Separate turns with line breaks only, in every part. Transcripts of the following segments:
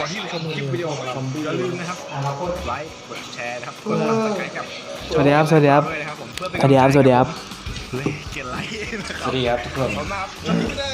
ก่อนที่จะชมคลิปวิดีโอของเราอย่าลืมนะครับไลค์กดแชร์นะครับกดติดตามกับ
สวัสดีครับ สวัสดีครับ
ด้วยนะครับผมเพื่อเป็น
สวัสดีครับ สวัสดีครับ
เฮ้ยเกียรติไลค์นะครับ
สวัสดีครับทุกคน
ขอบคุณมากครับสวัสดีเลย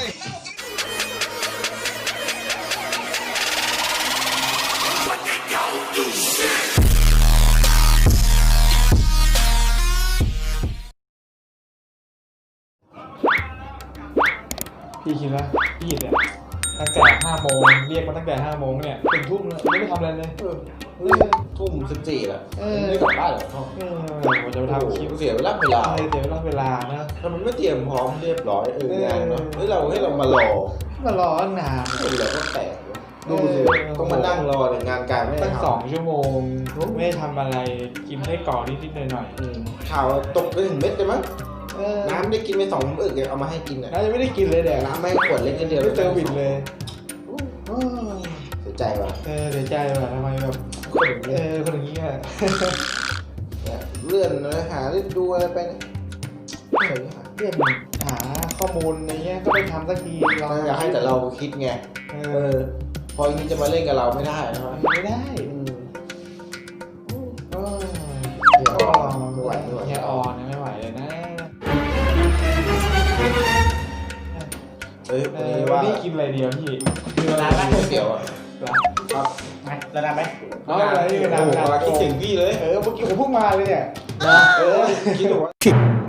พี่คิดว่าพี่เนี่ยตั้งแต่5 โมงเรียกมาตั้งแต่5 โมงเนี่ยถึงทุ่มแล้วไม่ได้ทำอะไรเลย
ทุ่ม14แล้วไม่ได้กลับบ้านเหรอพ่อ
ผมจะไปทำคลิป
เสียเวลาเวลา
เดี๋ยวเวลานะ
ถ้ามันไม่เตรียมพร้อมเรียบร้อยงานเนาะให้เรามารอ
มารอนาน
เราก็แตกดูสิต้องมานั่งรอเนี่ยงานการไม่ได้
ตั้ง
ทำ
2 ชั่วโมงไม่ได้ทำอะไรกินได้ก่อนนิดๆหน่อย
ข่าวตกไปถึงเม็ดเลยมั้ง
ๆ
น้ำได้กินไป2 อึกเอามาให้กินอ่ะ
น่าจะไม่ได้กินเลยเดี๋ยว
น้ำไม่ขวดเล็กนิดเดียว
ไม่เจอวินเลย
เสียใจว่ะ
เสียใจว่ะทำไมแบบ
คนอย่างนี้
คนอย่างนี้อ่ะ
เลื่อนเนื้อหาได้ดูอะไรไปเนี่ย
เรียกหาข้อมูลอะไรเงี้ยก็ไม่ทำสักที
เราอยากให้แต่เราคิดไงพออย่างนี้จะมาเล่นกับเราไม่ได้นะ
ไม่ได้
เดี๋ยวไม่ไหว
แค่ออนไม่ไหวเลยนะ
ว่า
นี่กินอะไรเดียวพี่มีเวลา
ร้านก๋วยเตี๋ยวอ่ะครับ
ระดับไหม
เอาอะไรนี่กัน
โอ้โหมาคิดถึงพี่เลย
เมื่อกี้ผมเพิ่งมาเลยเนี่ย
คิดถึงว่า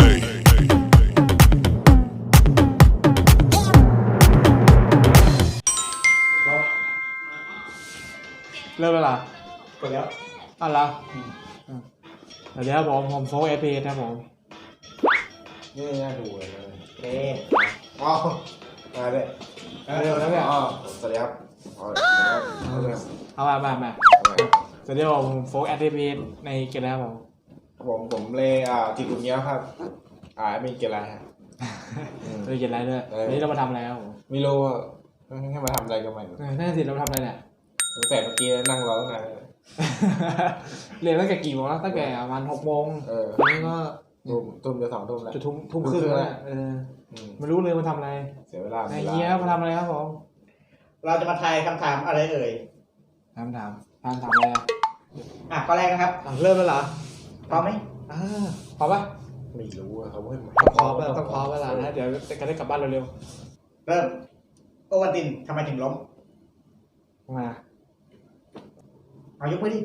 เริ่มแล้วล่ะ
กดแล้ว
อ่ะละเดี๋ยวผมโฟล์เอพีครับผม
นี่น่าดูเลย
เอ๊ะ
อ๋อมาเลย
เริ่มแล้วเนี่ย
อ๋อสวัสดีครับ
เอามาเดี๋ยวผมโฟล์เอพีในเกมแล้วผม
ผมเลยทีกุนเนี้ยครับมีเกลาฮะ
เลยเกมอะไรด้วยวันนี้เรามาทำอะไรครับผม
ไม่รู้ว่าให้มาทำอะไรกับมัน
นั่นสิเราทำอะไรเนี่ย
แต่เมื่อกี้นั่งรอตั้งนาน
เรียนตั้งแต่กี่โมงแล้วตั้งแต่ประมาณ6 โมงวันนี้ก็
ทุ่มจะ2 ทุ่มแล้ว
จะทุ่มครึ่งแล้วไม่รู้เลยมาทำอะไร
เสียเวลา
ไอ้เหี้ยมาทำอะไรครับผม
เราจะมาทายคำถามอะไรเอ่ย
ถามอะไร
ข้อแรกนะครับ
เริ่มแล้วเหรอ
พร้อมไหม
พร้อมปะ
ไม่รู้เขาให้มา
ต้องพร้อมเวลานะเดี๋ยวจะได้กลับบ้านเร็ว
เริ่มโอวันตินทำไมถึงล้ม
ๆมา
เอายกมือดิ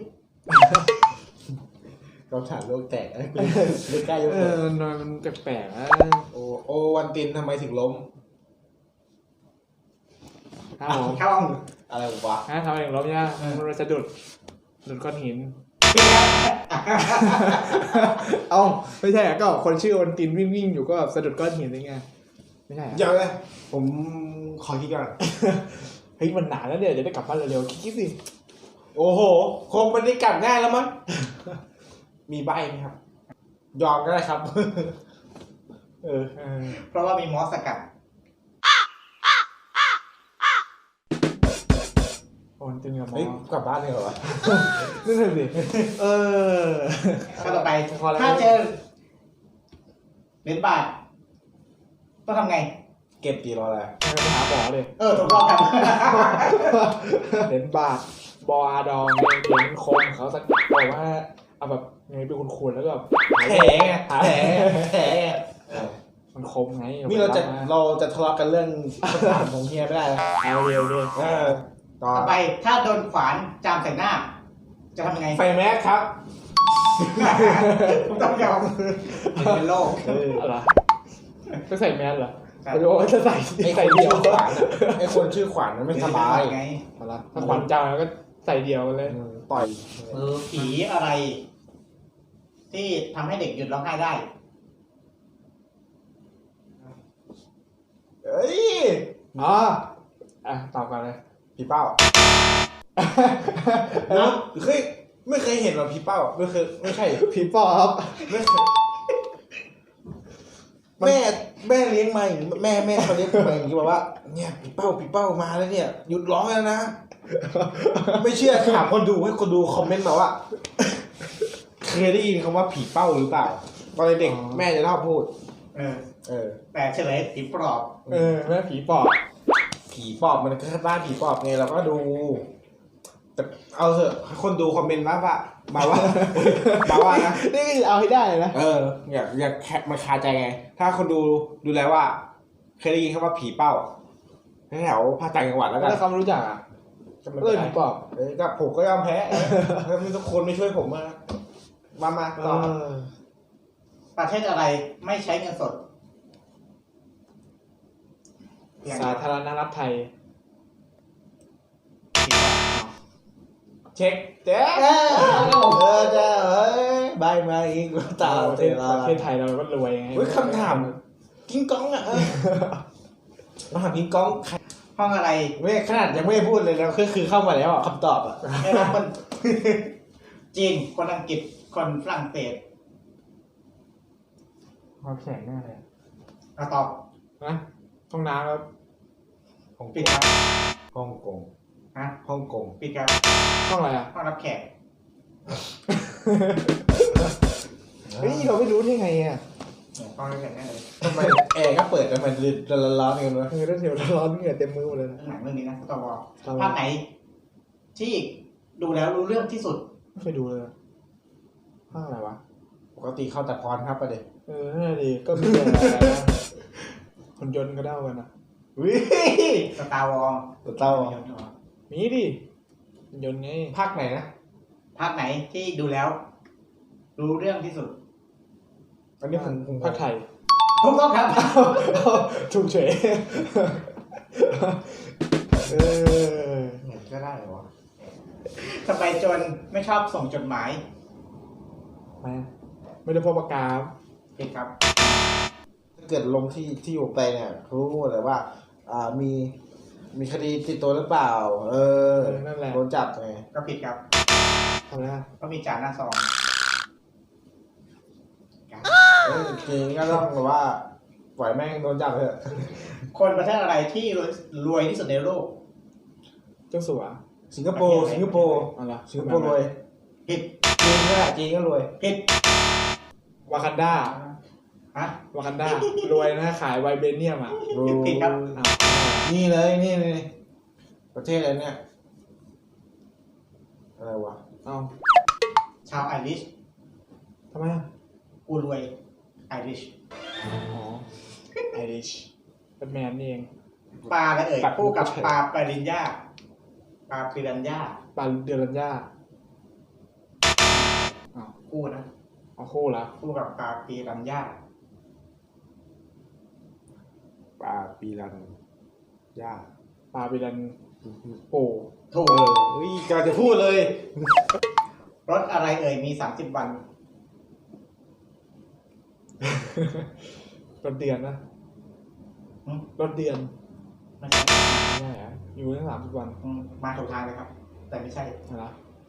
เราถามโลกแตกไม่กล้ายก
มันแปลกๆนะ
โอวันตินทำไมถึงล้ม
ครับผม
เข้าห้อง
อะไรวะ
ทำเองลบเนี่ยมันจะดุดก้อนหิน เอ้าไม่ใช่ก็คนชื่อวันตินวิ่งอยู่ก็สะดุดก้อนหินยังไงไม่ใช่
เดี๋ยวเลยผมขอคิดก่อน
เฮ้ยมันหนาแล้วเนี่ยจะได้กลับบ้านเร็วๆคิดสิ
โอ้โหคงมันได้กลับง่ายแล้วมั้งมีใบไหมครับ ยอมก็ได้ครับ
เพราะว่ามีมอสสกัด
วันตินกับหมอ
เฮ้ยกลับบ้านเลยเหรอวะ
นั่นสิ
ข้อต่อไปถ้าเจอเหรียญบาทต้องทำไง
เก็บตีรออะไร
ไปหาหมอเลย
ถูกต้องครับ
เหรียญบาทบออาดองเหรียญคมเขาสักบอกว่าเอาแบบไงเป็นคุณแล้วก็แบบ
แผลไงแผล
มันคมไง
นี่เราจะทะเลาะกันเรื่องคำถามของเฮียไม่ได้แล้ว
เอาเร็วเลย
ต่อ
ต่อไปถ้าโดนขวานจามใส่หน้า จะทำยังไง
ไฟแม็กครับ
ผมต้องยอมเป็นโรค
อะไรก็ใส่แมสเหรอไม่รู้ว่าจะใส่
ไอ้ค
ใส่
น
เดี
ชื่
ยว
อขวัญไอ้คนชื่อขวัญมันไม่สบาย
ไง
อะไรถ้าขวัญเจ้าแล้วก็ใส่เดียวกันเลย
ต่อย
ผีอะไร ที่ทำให้เด็กหยุดร้องไห้ได้
เอ้ย
ตอบกันเลย
พี่เป้าไม่เคยเห็นหรอพี่เป้าไม่ใช่
ผีปอบ
ไม่เคยแม่เลี้ยงมาอย่างนี้แม่เขาเลี้ยงมาอย่างนี้บอกว่าเนี่ยพี่เป้ามาแล้วเนี่ยหยุดร้องแล้วนะไม่เชื่อถามคนดูให้คนดูคอมเมนต์มาว่าเคยได้ยินคำว่าผีเป้าหรือเปล่าตอนเด็กแม่จะเล่าพูด
แต่เฉลยผีปลอบ
แม่ผีปอบ
ผีปอบมันก็บ้านผีปอบไงเราก็ดูแต่เอาเถอะคนดูคอมเมนต์มาว่ามาว่า มาว่านะ
นี่ก็เอาให้ได้นะ
อยากแคปมาคาใจไง ถ้าคนดูแล้วว่าเคยได้ยินคำว่าผีเป้าแถวภาคต่างจังหวัดแล้วกัน
ถ้าเขาไม่รู้จักอ่ะ
ก็ไม่
เอ
เป็
อน
ไร
ผมบอก
ก็ผมก็ยอมแพ้ถ้ามีทุกคนไม่ช่วยผมมาต่อ
ประเทศอะไรไม่ใช้เงินสด
สาธารณรัฐไทย
เช็คเจ๊จ้าใบมาอีกตา
ประเทศไทยเราก็รวยไง
คำถามกิ้งก้องอ่ะมาถามกิ้งก้อง
ห้องอะไร
ไม่ขนาดยังไม่พูดเลยแล้วคือเข้ามาแล้วคำตอบอ่ะ
ได้รับคน จีนคนอังกฤษคนฝรั่งเศส
ความแข็งแน่เลย
เอาตอบ
นะห้องน้ำครับ
ปิดครับ
ฮ่องกง
ฮะ
ฮ่องกง
ปิดครับ
ห้องอะไรอ่ะ
ห้องรับแขก
เฮ้ยเราไม่รู้ได้ไงอ่ะ
ห้องรับแขกแน่เลย
ทำไมแอร์ก็เปิดแต่มันร้อนๆกันวะ
คือถ้าเสียวร้อนเหงื่อเต็มมือหมดเลยนะ
หนังเรื่องนี้นะตอบ
ครับ
ภาคไหน ที่ดูแล้วรู้เรื่องที่สุด
ไม่เคยดูเลยห้องอะไรวะ
ปกติเข้าแต่พรครับประเดี๋ยว
นั่นแหละดิก็มีอะไรนะคนยนต์ก็เด้ากันนะ
วิ
สตาร์วอล
เต้า
มีดิคนยนต์ไง
ภาคไหนนะ
ภาคไหนที่ดูแล้ว รู้เรื่องที่สุด
อันนี้ผม
ภาคไทย
ถูกต้องครับ
ถูกเฉยเออ
เห็นก็ได้เหรอวะ
ทำไมโจรไม่ชอบส่งจดหมาย
ไม่ได้พบปากกา
ผิดครับ
ถ้าเกิดลงที่อยู่ไปเนี่ยเขารู้หมดเลยว่ามีคดีติดตัวหรือเปล่า
นั่นแหละ
โดนจับไง
ก็ผิดครับ
ทำไมอ่ะ
ก็มีจ่าหน้าซอง
จริงก็ต้องแบบว่าปล่อยแม่งโดนจับเถอะ
คนประเทศอะไรที่รวยที่สุดในโลก
เจ้าสัว
สิงคโปร์
อะไร
สิงคโปร์รวย
ผิด
จีนก็รวย
ผิด
วากันดา
ฮะ
วากันดารวยนะขายไวเบเนียมอ่ะ
ผิดครับ
อ้าว
นี่เลยนี่ประเทศอะไรเนี่ยอะไรวะ
เอา
ชาวไอริช
ทำไมอ่ะ
กูรวยไอริช
อ๋อไอริชเป็นแมนนี่เอง
ปลาอะไรเอ่ยคู่กับปลาปริญญาปลาปิรัญญา
ปาเดรัญญาอ้าว
คู่นะ
เอาคู่ละ
คู่กับปลาปิรัญญา
ปลาปีรันย่า
ปาปิรันโป่
ถูก
กำลังจะพูดเลย
รถอะไรเอ่ยมี30 วัน
รถเดือนนะ
อืม
รถเดือน
ไม่ใช่
ไม่ใช่ฮะอยู่ตั้ง30 วัน
มาถูกทางเลยครับ แต่ไม่ใช่
นะ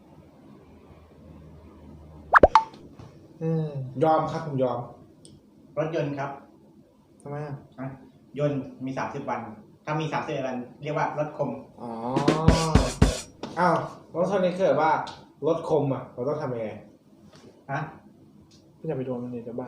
ยอมครับผมยอม
รถยนต์ครับ
ทำไมอ่ะ
ยนต์มี30 วัน ถ้ามี30 วันเรียกว่ารถคม
อ๋อ
อ้าวแล้วตอนนี้เกิดว่ารถคมอ่ะเราต้องทำยังไง
ฮะ
ไม่อยากไปโดนมันเลยจะบ้า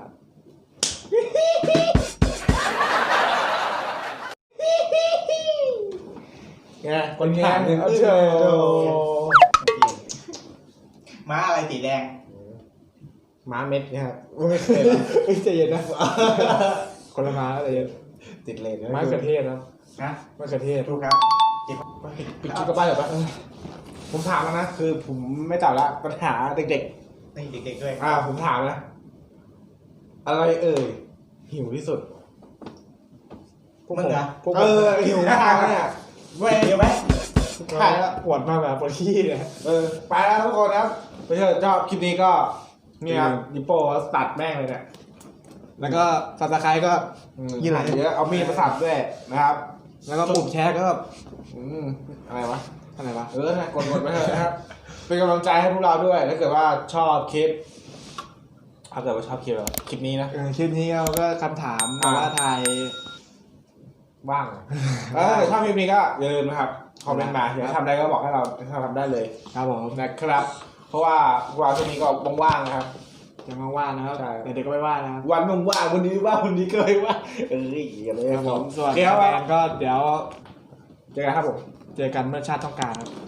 ไงคนถามเนี่ย
เอา
เชื่
เถ
อ
อะ
ม้าอะไรสีแดง
ม้าเม็ดเนี่ยครับไม่เคย
เฮ้ยใจเย็นนะ คนละมาใจเย็น
ติดเลน
ไม้กระเทศนะ
นะ
ไม้กระเทศ
ถูกครับ
ปิดคลิปกับบ้านเหรอปะผมถามแล้วนะคือผมไม่ตอบละปัญหาเด็ก
นี่เด็กๆด้วย
ๆผมถามนะอะไรเอ่ยหิวที่สุด
พวก
มึงเหรอ
พวก
หิวมากเนี่ย
เดี๋ยวไหม
ถ่ายแล้ว
ปวดมากแบบปวดขี้เนี่ย
ไปแล้วทุกคนครับไปเถอะชอบคลิปนี้ก็เนี่ยครับยิปโป้ตัดแม่งเลยเนี่ย
แล้วก็ซับสไครต์ก็
ยี่ห้อเยอะเอามีดมาสับด้วยนะครับ
แล้วก็ปุ่มแชร์ก็
อะไรวะ
อะไรวะ
นะกดไปเถอะนะครับ เป็นกำลังใจให้พวกเราด้วยถ้าเกิดว่าชอบคลิปถ้าเกิดว่าชอบคลิปเราคลิปนี้นะ
คลิปนี้เราก็คำถามว่าไทย
ว่างชอบคลิปนี้ก็อย่าลืมนะครับคอมเมนต์มาอยากให้ทำอะไรก็บอกให้เราทำได้เลย
ครับผม
นะครับ เพราะว่าพวกเราช่วงนี้ก็ว่างๆนะครับ
ยังว่างๆนะครับ
ใช่
แต่เด็กก็ไม่ว่างนะครับ
วันว่างๆวันนี้ว่างวันนี้ก็ไม่ว่างอะไร
ครับผมส่วน
เดี๋ยว
แฟนก็เดี๋ยว
เจอกันครับผม
เจอกันเมื่อชาติต้องการครับ